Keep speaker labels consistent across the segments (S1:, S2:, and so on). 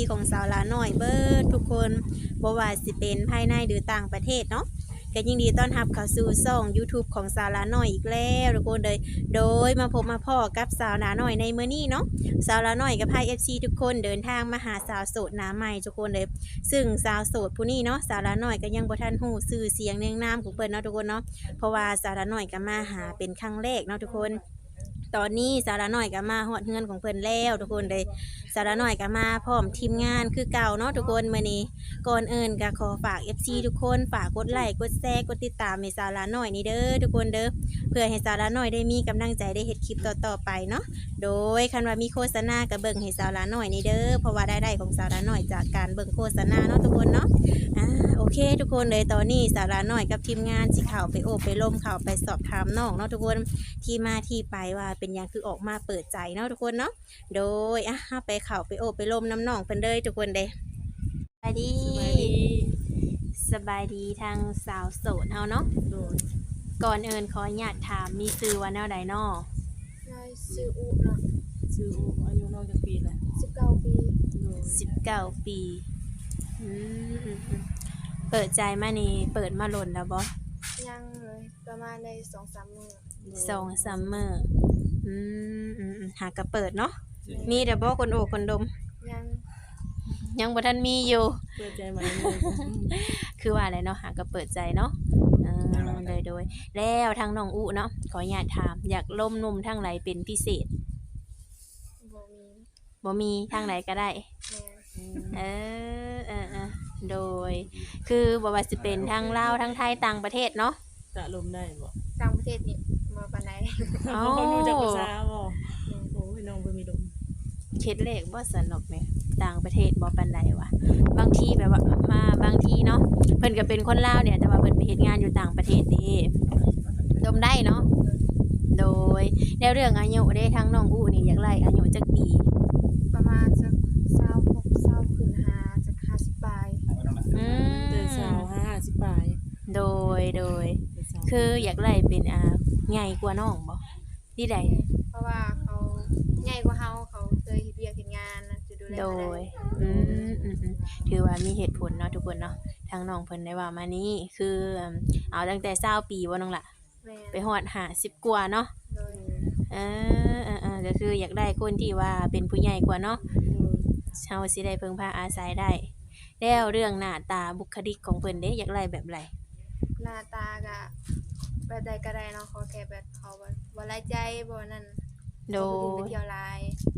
S1: ของสาวลาน้อยเบิดทุกคนบ่ว่าสิเป็นภายในหรือต่างประเทศเนาะก็ยินดีต้อนรับเข้าสู่ช่อง YouTube ของสาวลาน้อยอีกแล้วทุกคนเลยโดยมาพบมาพ่อกับสาวลาน้อยในมื้อนี้เนาะสาวลาน้อยกับพาย FC ทุกคนเดินทางมาหาสาวโสดหน้าใหม่ทุกคนเลยซึ่งสาวโสดผู้นี้เนาะสาวลาน้อยก็ยังบ่ทันฮู้ชื่อเสียงเรียงนามของเพิ่นเนาะทุกคนเนาะเพราะว่าสาวลาน้อยก็มาหาเป็นครั้งแรกเนาะทุกคนตอนนี้สาระน้อยก็มาฮอดเฮือนของเพิ่นแล้วทุกคนเลยสาระน้อยก็มาพร้อมทีมงานคือเก่าเนาะทุกคนมื้อนี้ก่อนอื่นก็ขอฝาก FC ทุกคนฝากกดไลค์กดแชร์กดติดตามให้สาระน้อยนี่เด้อทุกคนเด้อเพื่อให้สาระน้อยได้มีกำลังใจได้เฮ็ดคลิปต่อๆไปเนาะโดยคันว่ามีโฆษณาก็เบิ่งให้สาระน้อยนี่เด้อเพราะว่าได้ของสาระน้อยจากการเบิ่งโฆษณาเนาะทุกคนเนาะโอเคทุกคนเลยตอนนี้สาระน้อยกับทีมงานสิเข้าไปโอบไปล้มเข้าไปสอบถามน้องเนาะทุกคนที่มาที่ไปว่าเป็นหยังคือออกมาเปิดใจเนาะทุกคนเนาะโดยไปเข้าไปโอบไปล้มน้ำน้องเพิ่นเลยทุกคนเด้สบายดีสบายดีทางสาวโสดเฮาเนาะก่อนอื่นขออนุญาตถามมีชื่อว่าแนวใดเนาะ
S2: ชื่ออุเนาะ
S3: ชื่ออายุน้องจักปีแหละ
S2: 19 ปี
S1: 19 ปีเปิดใจมานี่เปิดมาหล่นแล้วบ่
S2: ยังเลยประมาณใน 2-3 มื้อ
S1: 2-3 มื้อหากะเปิดเนาะมีแต่บ่คนโอบคนดมยังบ่ทันมีอยู่
S3: เปิดใจใหม่
S1: คือว่าอะไรเนาะหากะเปิดใจเนาะโดยแล้วทางน้องอุเนาะขออนุญาตถามอยากล่มนุ่มทางไหนเป็นพิเศษบ่มีทางไหนก็ได้โดยคือบ่ว่าสิเป็นทางลาวทางไทยต่างประเทศเนาะ
S3: จะลมได้บ่
S2: ต่างประเทศนี่บ่ปานใด
S3: เขาอยู่จากภาษาบ่โอ้ยน้องบ่มีลม
S1: เฮ็ดเลขบ่สนุกแม่ต่างประเทศบ่ปานใดวะบางทีแบบว่ามาบางทีเนาะเพิ่นก็เป็นคนลาวเนี่ยแต่ว่าเพิ่นไปเฮ็ดงานอยู่ต่างประเทศนี่ลมได้เนาะโดยแล้วเรื่องอายุเด้ทางน้องอูนี่อยากไล่อายุจักปี
S2: ประมาณสัก26 20ขึ้น5จัก50ปลาย
S3: แต่50ปลาย
S1: โดยคืออยากไล่เป็นใหญ่กว่าน้องบ่ที่ใด
S2: เพราะว่าเขาใหญ่กว่าเฮาเขาเคยเฮ็ดเวียกเฮ็ดงานจะดูแล
S1: โดยถือว่ามีเหตุผลเนาะทุกคนเนาะทางน้องเพิ่นได้ว่ามานี้คือเอาตั้งแต่20ปีบ่น้องล่ะไปฮอด50กว่าเนาะก็คืออยากได้คนที่ว่าเป็นผู้ใหญ่กว่าเนาะเฮาสิได้พึ่งพาอาศัยได้แล้วเรื่องหน้าตาบุคลิกของเพิ่นเด้อยากไล่แบบไร
S2: หน้าตาก็แบบใดก็ได้เนาะขอแค่แบบเขาบ่ไร้ใจบ่นั่น
S1: โด
S2: ไปเที่ยวหลาย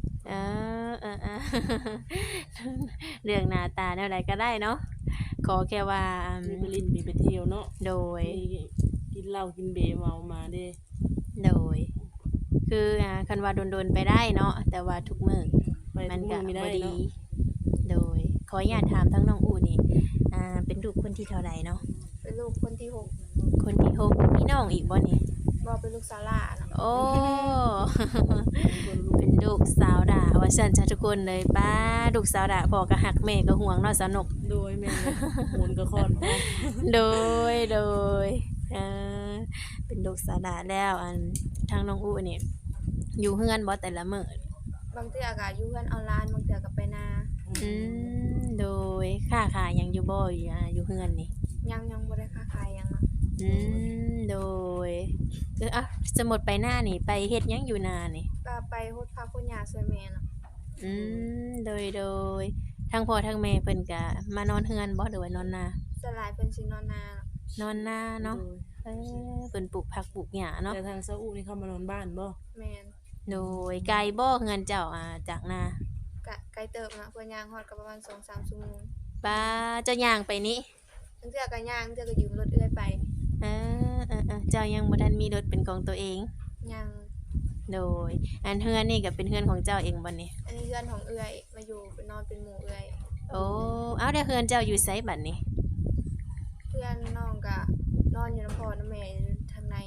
S1: เรื่องหน้าตาแนวใดก็ได้เนาะขอแค่ว่า
S3: มีไปลิ้นมีไปเที่ยวเนาะ
S1: โดย
S3: กินเหล้ากินเบียร์เมามาเด้
S1: โดยคือคันว่าโดนๆไปได้เนาะแต่ว่าทุกมื้อมันก็บ่ดีโดยขออนุญาตถามทั้งน้องอูนี่เป็นลูกคนที่เท่าใดเนาะ
S2: เป็นลูกคนที่
S1: 6คนที่6มีน้องอีกบ่นี่
S2: บ่เป็นลูกสาวหล่าเนาะ
S1: โอ้เป็นลูกสาวด่าว่าซั่นจ้ะทุกคนเลยป้าลูกสาวด่าพ่อก็ฮักแม่ก็ห่วงเนาะสนุก
S3: โดยแม่โหนก็คอน
S1: โดยเป็นลูกสาวด่าแล้วทางน้องอูนี่อยู่เฮือนบ่แต่ละมื้
S2: อบางเทื่อก็อยู่เฮือนออนไลน์บางเทื่อก็ไปนา
S1: โดยค้าขายหยังอยู่บ่อยู่เฮือนนี่
S2: ยังบ่ได้ค้าขายหยังเนาะ
S1: โดยสมมุติไปนานี่ไปเฮ็ดหยังอยู่นานี่
S2: ก็ไปโฮดผักโฮดหญ้าช่วยแม่เนาะ
S1: โดยทั้งพ่อทั้งแม่เพิ่นก็มานอนเฮือนบ่หรือว่านอนนา
S2: ส่วนหลายเพิ่นสินอนนา
S1: เนาะเพิ่นปลูกผักปลูกหญ้าเนาะ
S3: แต่ทางซาอุนี่เขามานอนบ้านบ่
S2: แม่น
S1: โดยไกลบ่เฮือนเจ้าจากนา
S2: ไกลเติบนะเพิ่นย่างฮอดก็ประมาณ 2-3 ชั่วโมง
S1: ป้าเจ้าย่างไปนี่
S2: บางเทื่อก็ย่างบางเทื่อก็ยืมรถเอื้อยไป
S1: เจ้ายังบ่ทันมีรถเป็นของตัวเอง
S2: ยัง
S1: โดยเฮือนนี่ก็เป็นเฮือนของเจ้าเองบ่นี่
S2: อันนี้เฮือนของเอื้อยมาอยู่ไปนอนเป็นหมู่เอื้อย
S1: โอ้เอาแล้วเฮือนเจ้าอยู่ไสบัดนี้
S2: เพื่อนน้องก็นอนอยู่นำพ่อนำแม่ทางใน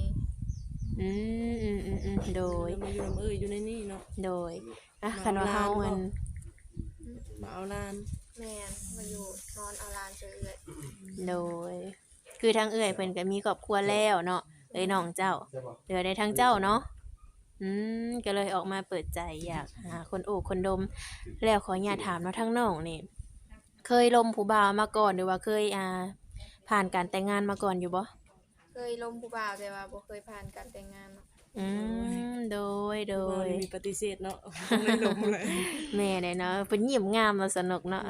S1: โดย
S3: มาอยู่อยู่ในนี่เนาะ
S1: โดยคันว่าเฮา
S3: มาเอาลาน
S2: แม่นมาอยู่นอนเอาลานเอื้อย
S1: โดยคือทางเอื้อยเพิ่นก็มีครอบครัวแล้วเนาะน้องเจ้าเหลือได้ทางเจ้าเนาะก็เลยออกมาเปิดใจอยากหาคนโอบคนดม แล้วขออนุญาตถามเนาะทั้งน้องนี่เคยลมผู้บ่าวมาก่อนหรือว่าเคยผ่านการแต่งงานมาก่อนอยู่บ่
S2: เคยล้มผู้บ่าวแต่ว่าบ่เคยผ่านการแต่งงานเนาะ
S1: โดย
S3: ว่ามีปฏิเสธเนาะต้องได้ลมเลย
S1: แม่ได้เนาะเพิ่นยิ้มงามแล้วสนุกเนาะ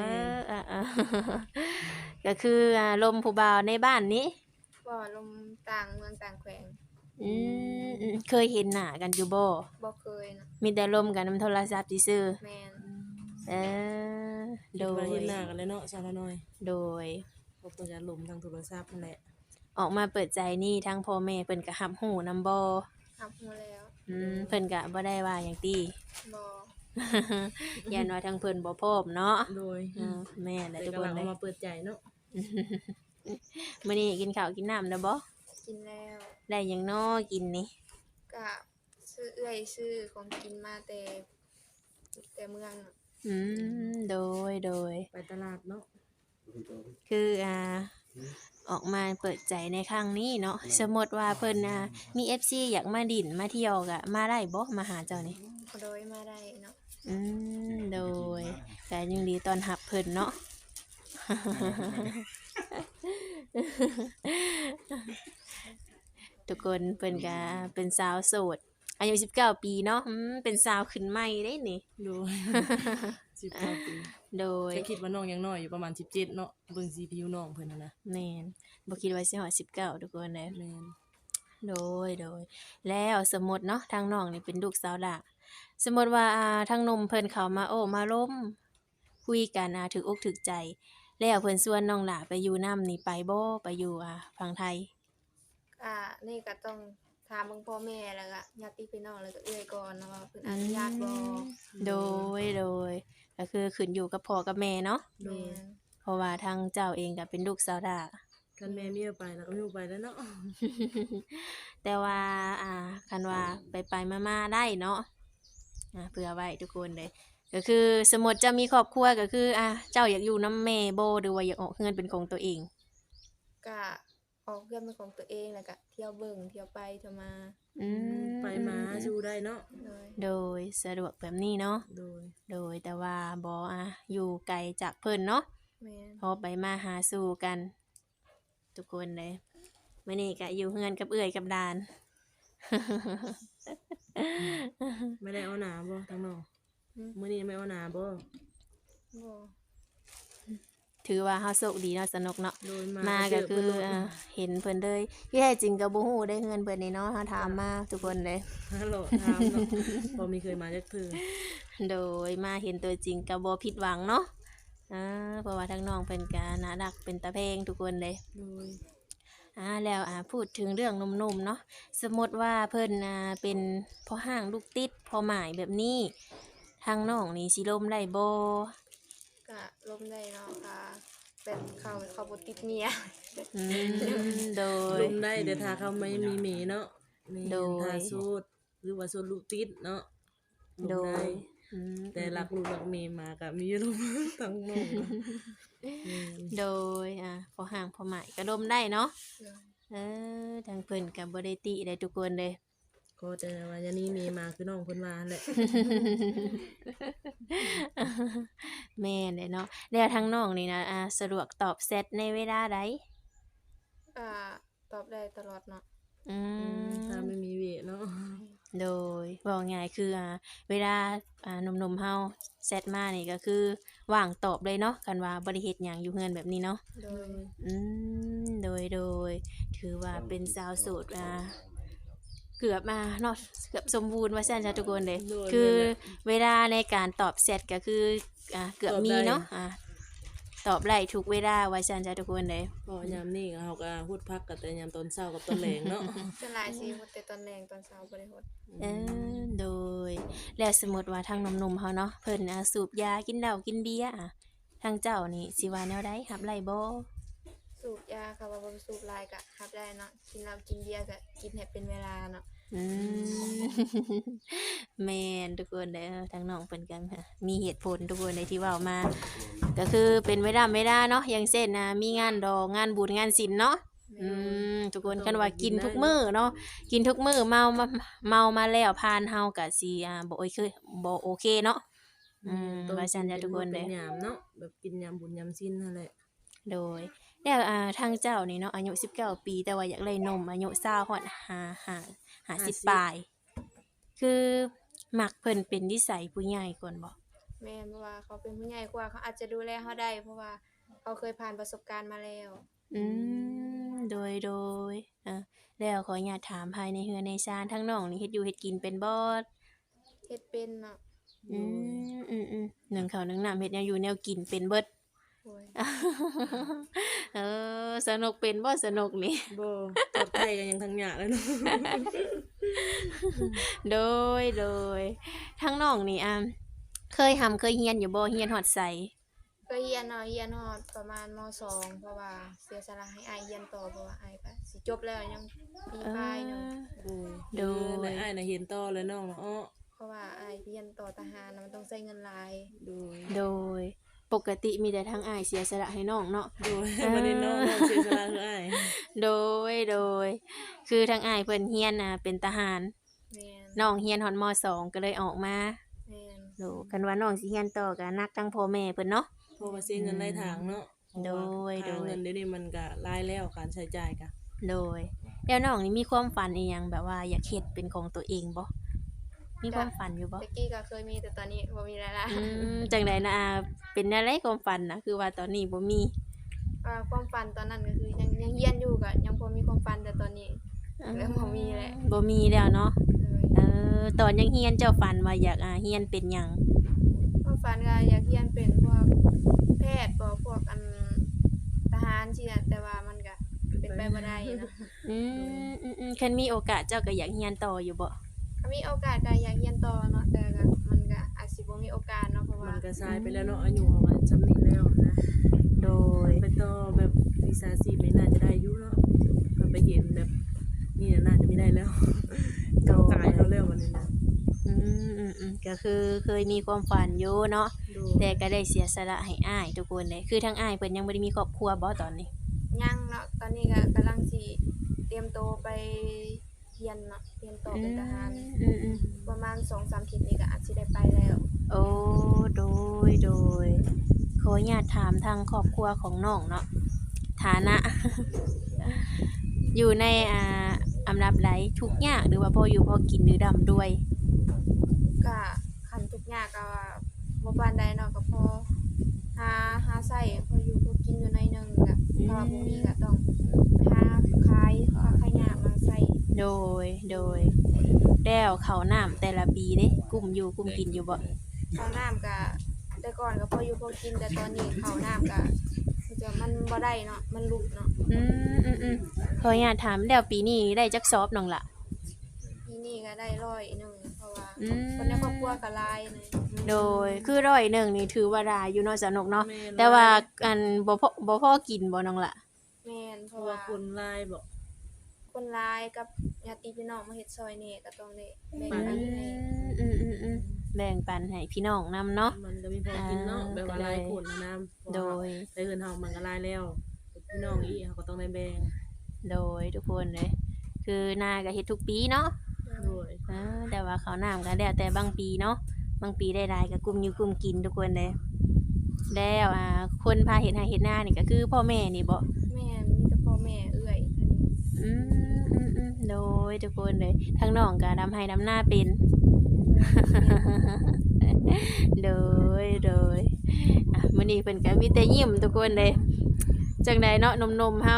S1: ก็คือลมผู้บ่าวในบ้านนี้
S2: บ่ล้มต่างเมืองต่างแขวง
S1: เคยเห็นหน้ากันอยู่บ่
S2: บ่เคยเนาะ
S1: มีแต่ลมกันนำโทรศัพท์ซื่อ
S2: แม่น
S1: ๆโด
S3: โดย
S1: ย
S3: เห็นหน้ากันเลยเนาะสาวน้อย
S1: โดย
S3: พบตัวจะลมทางโทรศัพท์นั่นแหละ
S1: ออกมาเปิดใจนี่ทั้งพ่อแม่เพิ่นก็รับรู้นำบ่
S2: รับรู้แล้ว
S1: เพิ่นก็บ่ได้ว่าหยังติ
S2: บ่
S1: ยันว่าทั้งเพิ่นบ่พร้อมเนาะ
S3: โดย
S1: แม่นแหละ
S3: แต่
S1: ทุก
S3: กำ
S1: ค
S3: ลั
S1: น
S3: ง
S1: เล
S3: เอา
S1: ย
S3: มาเปิดใจเนาะ
S1: มื้อนี้กินข้าวกินน้ำแล้วบ่
S2: กินแล้ว
S1: ได้หยังน้อกินนี่
S2: ก็ซื้อของกินมาแต่เมืองเนาะ
S1: โดย
S3: ไปตลาดเนาะ
S1: คือออกมาเปิดใจในครั้งนี้เนาะสมมติว่าเพิ่นมี FC อยากมาดินมาเที่ยวก็มาได้บ่มาหาเจ้านี่
S2: โดยมาได้เนาะ
S1: โดยก็ยินดีต้อนรับเพิ่นเนาะ ทุกคนเพิ่นก็เป็นสาวโสดอายุ19 ปีเนาะเป็นสาวขึ้นใหม่ได้นี่
S3: โดย 19 ปี
S1: โดย
S3: จะคิดว่าน้องยังน้อยอยู่ประมาณ17เนาะเบิ่งสีผิวน้องเพิ่นนะ
S1: แม่นบ่คิดว่าสิฮอด19ทุกคนเลย
S3: แม่น
S1: โดยแล้วสมมติเนาะทางน้องนี่เป็นลูกสาวหลาสมมติว่าทางหนมเพิ่นเข้ามาโอ้มาล้มคุยกันถึกอกถึกใจ แล้วเพิ่นชวนน้องหลาไปอยู่นํนี่ไปบ่ไปอยู่ฝั่งไทย
S2: ก็นี่ก็ต้องถามเบิ่งพ่อแม่แล้วก็ญาติพี่น้องแล้วก็เอื้อยก่อนเนาะว่าเพิ่นอนุญาตบ่
S1: โดยก็คือขึ้นอยู่กับพ่อกับแม่เนาะ
S3: โด
S2: แม่
S3: ย
S2: น
S1: เพราะว่าทางเจ้าเองก็เป็นลูกสาวหลา
S3: คันแม่เมียไปแล้วก็ไม่ไปแล้วเนาะ
S1: แต่ว่าคันว่าไปมาๆได้เนาะเผื่อไว้ทุกคนเลยก็คือสมมติจะมีครอบครัวก็คือเจ้าอยากอยู่นำแม่บ่หรือว่าอยากออกเฮือนเป็นของตัวเอง
S2: ก็ออกเรื่องเป็นของตัวเองแล้วก็เที่ยวเบิ่งเที่ยวไปเที่ยวมา
S3: ไปมาสู้ได้เนาะ
S2: โดย
S1: โดยสะดวกแบบนี้เนาะ
S3: โดย
S1: แต่ว่าบ่อยู่ไกลจากเพิ่นเนาะ
S2: แม่น
S1: พอไปมาหาสู่กัน ทุกคนเลยมื้อนี้ก็อยู่เฮือนกับเอื้อยกับดาน
S3: ไม่ได้เอาหนาบ่ทางน้องมื้อนี้ไม่เอาหนาบ่
S2: บ่
S1: ถือว่าเฮาโชคดีเนาะสนุกเนาะ
S3: โดย
S1: มาก็คือเห็นเพิ่นเลยที่แท้จริงก็บ่ฮู้ได้เฮือนเพิ่นนี่เนาะเฮาถามมาทุกคนเลย
S3: ฮัลโหลถามเนาะบ่มีเคยมาจักเทื่อ
S1: โดยมาเห็นตัวจริงก็บ่ผิดหวังเนาะเพราะว่าทั้งน้องเพิ่นก็น่ารักเป็นตาเพลงทุกคนเลย
S3: โดย
S1: แล้วพูดถึงเรื่องหนุ่มๆเนาะสมมติว่าเพิ่นเป็นพ่อห้างลูกติดพ่อหมายแบบนี้ทางน้องนี่สิลมได้บ่
S2: ก็ล้มได้เนาะค่ะเป็นเขาบ่ติดเมีย
S1: โดย
S3: ลมได้แต่ถ้าเขาไม่มีเมเนาะแม่
S1: โดย
S3: ถ้าโสดหรือว่าโสดลูกติดเนาะลม
S1: โด
S3: ได้
S1: ย
S3: แต่รักลูกรักเมมาก็มีลมทั้งน้องเนาะแม่น
S1: โดยพ่อห้างพ่อหมายก็ลมได้เนาะ
S2: โดย
S1: ทางเพิ่นก็บ่ได้ติได้ทุกคนเลย
S3: ก็แต่ว่าอย่างนี้เมมาคือน้องเพิ่นว่าแหละ
S1: แม่นเลยเนาะแล้วทางน้องนี่นะสะดวกตอบแชทในเวลาใด
S2: ก็ตอบได้ตลอดเนาะ
S3: ถ้าไม่มีเวเนาะ
S1: โดยบอกง่ายคือเวลาหนุ่มๆเฮาแชทมานี่ก็คือว่างตอบเลยเนาะกันว่าบ่ได้เฮ็ดหยังอยู่เฮือนแบบนี้เนาะ
S2: โดย
S1: โดยถือว่าเป็นสาวโสดเกือบเนาะเกือบสมบูรณ์ว่าซั่นจ้ะทุกคนเลยคือเวลาในการตอบแชทก็คือเกือบมีเนาะตอบได้ทุกเวลาว่าซั่นจ้ะทุกคนเลย
S3: ก็ยามนี้ก็เฮาก็ฮูดพักกันแต่ยามตอนเช้ากับตอนแลงเนาะ
S2: ส่วนหลายสิฮดแต่ตอนแรงตอนเช้าบ่ได้ฮด
S1: โดยแล้วสมมติว่าทางหนุ่มๆเฮาเนาะเพิ่นสูบยากินเหล้ากินเบียร์ทางเจ้านี่สิว่าแนวใดรับไล่บ่
S2: สูบยาค่ะว่าบ่สูบหลายก็รับได้เนาะกินเหล้ากินเบียร์ก็กินให้เป็นเวลาเนาะ
S1: แม่นทุกคนเด้อทางน้องเพิ่นก็มีเหตุผลทุกคนในที่เว้ามาก็คือเป็นเวลาเนาะอย่างเช่นมีงานดอกงานบุญงานศิลป์เนาะอืทุกคนคันว่ากินทุกมื้อเนาะกินทุกมื้อเมามาแล้วผ่านเฮาก็สิบ่โอเคเนาะว่าซั่นจ้ะทุกคน
S3: เป็
S1: เด้
S3: นยามเนาะแบบกินยามบุญยามศีลนั่นแหละ
S1: โดยแล้วทางเจ้านี่เนาะอายุ19ปีแต่ว่าอยากได้นมอายุ20ฮอด50ปลายคือมักเพิ่นเป็นนิสัยผู้ใหญ่ก่อนบ่
S2: แม่นเพราะว่าเขาเป็นผู้ใหญ่กว่าเขาอาจจะดูแลเราได้ เพราะว่าเขาเคยผ่านประสบการณ์มาแล้ว
S1: อืโดยแล้วขออนุญาตถามภายในเฮือนในชานทั้งน้องนี่เฮ็ดอยู่เฮ็ดกินเป็นบ่
S2: เฮ็ดเป็นเนาะ
S1: อืนึ่งข้าวนึ่งน้ำเฮ็ดแนวอยู่แนวกินเป็นเบิด
S2: โอ้ย
S1: สนุกเป็นบ่สนุกนี่
S3: บ่ทอดไข่กันยังทั้งหยาแล้วเนาะ
S1: โดยทั้งน้องนี่เคยเฮียนอยู่บ่เฮียนฮอดไส
S2: ก็เรียนเนาะเรียนฮอดประมาณม.2 เพราะว่าเสียสละให้อ้ายเรียนต่อเพราะว่าอ้ายก็สิจบแล้วยังปีปลายหนึง
S3: โดยในอ้ายน่ะเห็นต่อแล้วน้องเนาะอ้อ
S2: เพราะว่าอ้ายเรียนต่อทหารน่ะมันต้องใช้เงินหลาย
S3: โดย
S1: ปกติมีแต่ทั้งอ้ายเสียสละให้น้องเนาะ
S3: โดยบ่ได้น้องเสียสละคืออ้าย
S1: โดยคือทั้งอ้ายเพิ่นเฮียนเป็นทหาร
S2: แม่น
S1: น้องเฮียนฮอดม.2 ก็เลยออกมา
S2: แม่น
S1: โดกันว่าน้องสิเฮียนต่อก็นักทั้งพ่อแม่เพิ่นเนาะ
S3: เพราะว่าเสียเงินหลายทางเนาะ
S1: โดย
S3: ค่าเงินเดี๋ยวนี้มันก็หลายแล้วการใช้จ่ายก็
S1: โดยแล้วน้องนี่มีความฝันอีหยังแบบว่าอยากเฮ็ดเป็นของตัวเองบ่มีความฝันอยู่บ่
S2: ตะกี้ก็เคยมีแต่ตอนนี้บ่มีแล้วล่ะ
S1: จังไดนะเป็นอะไรความฝันนะคือว่าตอนนี้บ่มี
S2: ความฝันตอนนั้นก็คือยังเรียนอยู่ก็ยังพอมีความฝันแต่ตอนนี้ เริ่มบ่มีแล้ว
S1: บ่มีแล้วเนาะ
S2: เลย
S1: ตอนยังเรียนเจ้าฝันว่าอยากเรียนเป็นหยัง
S2: ความฝันก็อยากเรียนเป็นพวกแพทย์บ่พวกทหารสินะแต่ว่ามันก็เป็นไปบ่ได้เนาะ
S1: คันมีโอกาสเจ้าก็อยากเรียนต่ออยู่บ่
S2: ถ้ามีโอกาสก็อยากเรียนต่อเนาะแต่ก็มันก็อาจสิบ่มีโอกาสเนาะเพราะ
S3: มั
S2: ว่าน
S3: ก็สายไปแล้วเนาะอายุของมันจำนี้แล้วนะ
S1: โดย
S3: ไปต่อแบบวิชาชีพไม่น่าจะได้อยู่เนาะถ้าไปเห็นแบบนี่น่าจะไม่ได้แล้วกำกายเขาแล้ววันนี้นะ
S1: ก็คือเคยมีความฝันอยู่เนาะ
S3: ดู
S1: แต่ก็ได้เสียสละให้อ้ายทุกคนเลยคือทั้งอ้ายเพิ่นยังบ่ได้มีครอบครัวบ่ตอนนี้
S2: ยังเนาะตอนนี้ก็กำลังสิเตรียมตัวไปเรียนเนาะเรียนต่อเป็นทหาร ประมาณ 2-3 อาทิตย์นี้ก็อาจสิได้ไปแล้ว
S1: โอ้โดยขออนุญาตถามทางครอบครัวของน้องเนาะฐานะ อยู่ในอันดับใดทุกข์ยากหรือว่าพออยู่พอกินหรือร่ำรวย
S2: ก็คันทุกอย่างก็บ่ปานใดเนาะก็พอหาใช้พออยู่พอกินอยู่หน่อยหนึงก็ถ้าว่าบ่มีก็ต้องหาขายยากมาใช้
S1: โดยแล้วข้าวน้ำแต่ละปีเด้กุ้มกินอยู่บ่
S2: ข้าวน้ำก็แต่ก่อนก็พออยู่พอกินแต่ตอนนี้ข้าวน้ำก็มันบ่ได้เนาะมันลุกเนาะ
S1: ขออนุญาตถามแล้วปีนี้ได้จักซอบน้องล่ะ
S2: ปีนี้ก็ได้100เพราะว่าคนในครอบครัวก็หลายนะ
S1: โดยคือ100นี่ถือว่าหลายอยู่เนาะสนุกเนาะ
S3: แม่น
S1: แต่ว่าอันบ่พอกินบ่น้องล่ะ
S2: แม่นเพ
S3: เพ
S2: ราะ
S3: ราะ
S2: ว่า
S3: ว่าคนลายบอก
S2: คนหลายกับญาติพี่น้องมาเฮ็ดซอยนี่ก็ต้องได้แบ่งปันให้
S1: แบ่งปันให้พี่น้องนำเนาะ
S3: มันก็มีพอกินเนาะแบบว่าลายคนนะ
S1: โดย
S3: แต่เงินเฮามันก็ลายแล้วพี่น้องอีเขาก็ต้องได้แบ่ง
S1: โดยทุกคนเลยคือนาก็เฮ็ดทุกปีเนาะ
S3: โดย
S1: แต่ว่าข้าวน้ำก็แล้วแต่บางปีเนาะบางปีได้หลายก็กลุ่มอยู่กลุ่มกินทุกคนเลยแล้วคนพาเฮ็ดให้เฮ็ดนานี่ก็คือพ่อแม่นี่บ่
S2: แม่นมีแต่พ่อแม่เอื้อยอันนี้
S1: โดยทุกคนเลยทั้งน้องก็ดำให้ดำหน้าเป็น โดยมื้อนี้เพิ่นก็มีแต่ยิ้มทุกคนเลยจังใดเนาะหนมๆเฮา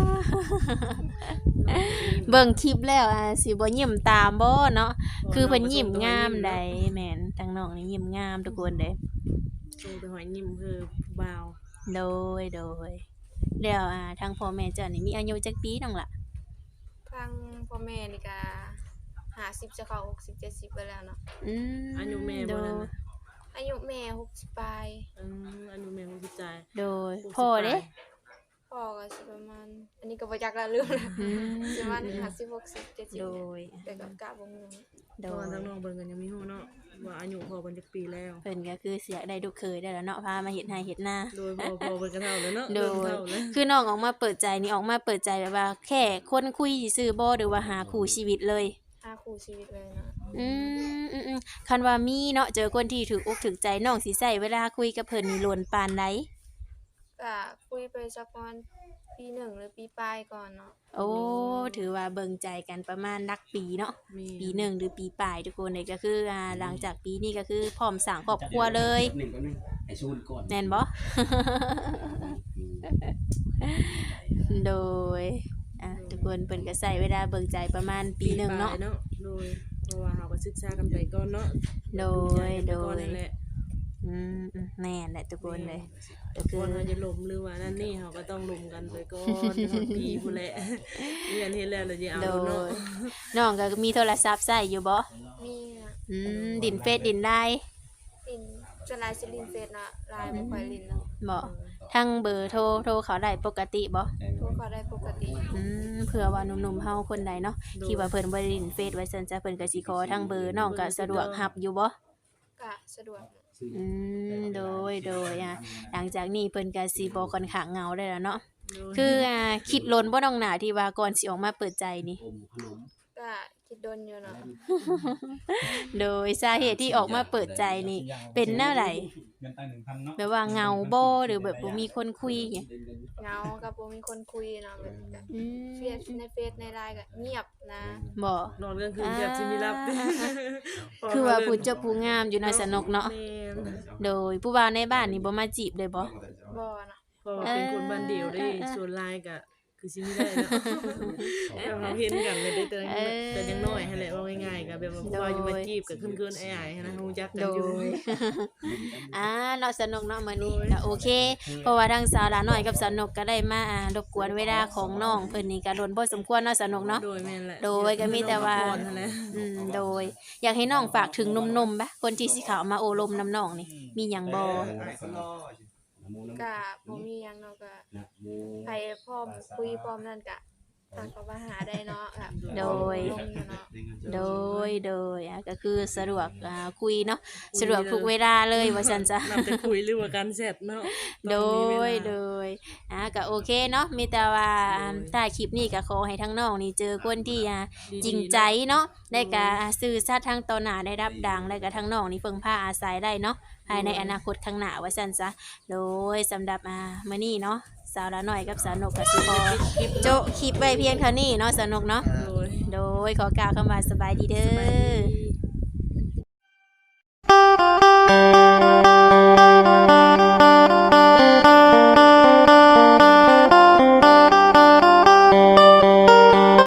S1: เบิ่งคลิปแล้วสิบ่ยิ้มตามบ่เนาะคือเพิ่นยิ้มงามใดแม่นทั้งน้องนี่ยิ้มงามทุกคนเด้
S3: ส่งแต่หอยยิ้มคือผู้บ่าว
S1: โดยแล้วทางพ่อแม่เจ้านี่มีอายุจักปีน้องล่ะ
S2: ทางพ่อแม่นี่ก็50จะเข้า60 70ไปแล้วเนาะ
S3: อายุแม่บ่นั่นนะ
S2: อายุแม่60ปลาย
S3: อายุแม่บ่รู้ใจ
S1: โดยพ่อเด้
S2: พ่อพ่อก็สิประมาณอันนี้ก็บ่จักละเรื่องละ
S1: อืม
S2: สิประมาณ50 60
S1: โด
S2: 70
S1: ย
S2: แต่ก็กะบ่ฮู้
S1: โด
S3: เพราะว่าย ทั้งน้องเบิ่งกันยังมีฮู้เนาะว่าอายุพอเพิ่นจักปีแล้ว
S1: เพิ่นก็คือเสียได้ลูกเคยได้แล้วเนาะพามาเฮ็ดนาเฮ็ดนา
S3: โดยพอเพิ่นก็เท่าแล้วเนาะ
S1: โด
S3: เริ่ม
S1: ย
S3: เท่าแล้ว
S1: คือน้องออกมาเปิดใจนี่ออกมาเปิดใจแบบว่า แค่คนคุยซื่อๆบ่หรือว่าหาคู่ชีวิตเลย
S2: หาคู่ชีวิตเลยเนาะ
S1: คันว่ามีเนาะเจอคนที่ถูกอกถูกใจน้องสิใช้เวลาคุยกับเพิ่นนี่ล้นปานใด
S2: ก็คุยไปสักประมาณปีหนึ่งหรือปีปลายก่อนเนาะ
S1: โอ้ถือว่าเบิ่งใจกันประมาณนักปีเนาะ
S3: มี
S1: ปีหนึ่งหรือปีปลายทุกคนเลยก็คือหลังจากปีนี้ก็คือพร้อมสร้างครอบครัวเลย
S4: หนึ่งก็หนึ่งไอ้ชูนก่อน
S1: แม่นบ่ โดยทุกคนเพิ่นก็ใช้เวลาเบิ่งใจประมาณปีหนึ่งเนาะ
S3: ปลยโดยเพราะว่าเฮาก็ศึกษากันไปก่อนเนาะ
S1: โดย
S3: ดูใจกันไปก่อนนั่นแหละ
S1: แม่นแหละทุกคนเลยก็คื
S3: ก่
S1: อ
S3: อนเฮาจะล้มหรือว่านั่นนี่เฮาก็ต้องล้มกันไปก่อนฮอดปีพุ่นแหละเรียนเฮ็ดแล้วแล้วสิเอา
S1: โด
S3: เนาะ
S1: ยน้องก็มีโทรศัพท์ใช้อยู่บ่
S2: มีนะ
S1: ดินเฟซดินไลน์
S2: ลินจนลายสิลินเฟซนะลายบ่ค่อยลินเนาะ
S1: บ่ทั้งเบอร์โทรเขาได้ปกติบ่
S2: โทรเขาได้ปกติ
S1: เผื่อว่าหนุ่มๆเฮาคนใดเนาะที่ว่าเพิ่นบ่ได้ดินเฟซไว้ซั่นจ้ะเพิ่นก็สิขอทั้งเบอร์น้องก็สะดวกรับอยู่บ่
S2: ก็สะดวก
S1: โดยหลังจากนี้เพิ่นก็สิบ่ค่อนข้างเหงาได้แล้วเนาะ
S3: โดย
S1: คือคิดลนบ่น้องหน้าที่ว่าก่อนสิออกมาเปิดใจนี่
S4: อมขนม
S2: ก็คิดโดนอยู่เนาะ
S1: โดยสาเหตุที่ออกมาเปิดใจนี่ เป็นแนวใด
S5: เงินตั้ง 1,000 เนาะ
S1: แบบว่าเหงาบ่หรือแบบบ่มีคนคุยหยัง
S2: เหงากับบ่มีคนคุยเนาะแบบนี้ก็
S1: อืม
S2: เฟซในเฟซในไลน์ก็เงียบนะ
S1: บ่
S3: นอนกลางคืนแบบสิมีรับ
S1: คือว่าผู้เจ้าผู้งามอยู่ในสนกเนาะ
S3: แม่น
S1: โดยผู้บ่าวในบ้านนี่บ่มาจีบเลยบ่
S2: บ่เนาะ
S3: เพราะว่าเป็นคนบ้านเดียวได้ส่วนหลายก็คือสิมีได้เนาะเราเห็นกันเลยได้แต่ยังน้อยหั่นแหละว่าง่ายๆก็แบบว่าพออยู่มาจีบก็ขึ้นๆอ้ายๆนะฮู้จักกัน
S1: โด
S3: อยู่
S1: ย เนาะสนุกเนาะมื้อนี้ก็โอเค เพราะว่าทางสาวหลาน้อยกับสนุกก็ได้มารบกวนเวลาของน้องเพิ่นนี่ก็โดนพอสมควรเนาะสนุกเนาะ
S3: โดยแม่นแหละ
S1: โดยก็มีแต่ว่า
S3: น้องพักผ่อนนั่นแหละ
S1: โดย อยากให้น้องฝากถึงหนุ่มๆปะคนที่สิเข้ามาโอลมน้ำน้องนี่ มีหยังบ่
S2: ก็บ่มีหยังเนาะก็ไปพร้อมคุยพร้อมนั่นก็ทางก็มาหาได้เนาะแบบ
S1: โดย
S2: ลงอยู่เนาะ
S1: โดยก็คือสะดวกคุยเนาะสะดวกทุกเวลาเลยว่าซั่นจ้ะ
S3: นับแต่คุยหรือว่าการแชทเนาะ
S1: โด
S3: ต้องมีเวย ลา
S1: โดยก็โอเคเนาะมีแต่ว่าถ้าคลิปนี้ก็ขอให้ทั้งน้องนี่เจอคนที่จริงใจเนาะได้ก็สื่อสัตย์ทางต่อหน้าได้รับดังแล้วก็ทั้งน้องนี่เพิ่งพาอาศัยได้เนาะภายในอนาคตข้างหน้าว่าซั่นซะโดยสำหรับมื้อนี้เนาะสาวละน้อยกับสาวนกก็สิขอโจะคลิปไว้เพียงเท่านี้เนาะสาวนกเนาะ
S3: โดย
S1: โดยขอกล่าวคำว่าสบายดีเด้
S3: สบาย
S1: อ
S3: ดี